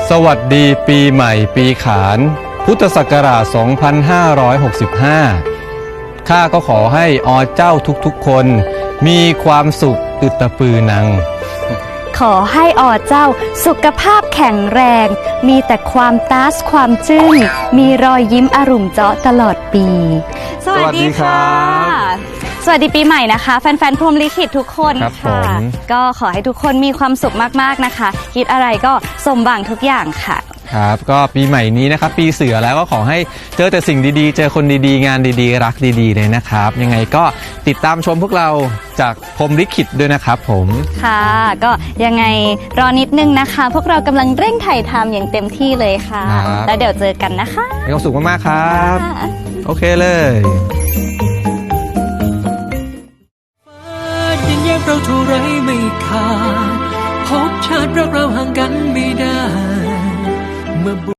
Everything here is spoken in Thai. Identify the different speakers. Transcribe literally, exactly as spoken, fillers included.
Speaker 1: สวัสดีปีใหม่ปีขานพุทธศักราช สองพันห้าร้อยหกสิบห้า ข้าก็ขอให้อเจ้าทุกๆคนมีความสุขอึตปือนัง
Speaker 2: ขอให้อเจ้าสุขภาพแข็งแรงมีแต่ความตาสความจึ้งมีรอยยิ้มอรุ่มเจาะตลอดปีสวัสดีค่ะสวัสดีปีใหม่นะคะแฟนๆพรหมลิขิตทุกคนค่ะก็ขอให้ทุกคนมีความสุขมากๆนะคะคิดอะไรก็สมหวังทุกอย่างค่ะ
Speaker 1: ครับก็ปีใหม่นี้นะครับปีเสือแล้วก็ขอให้เจอแต่สิ่งดีๆเจอคนดีๆงานดีๆรักดีๆเลยนะครับยังไงก็ติดตามชมพวกเราจากพรหมลิขิตด้วยนะครับผม
Speaker 2: ค่ะก็ยังไงรอนิดนึงนะคะพวกเรากำลังเร่งถ่ายทำอย่างเต็มที่เลยค่ะแล้วเดี๋ยวเจอกันนะคะ
Speaker 1: มีความสุขมากๆครับโอเคเลย
Speaker 3: เราเท่าไรไม่ขาดพบชาติรักเราห่างกันไม่ได้เมื่อ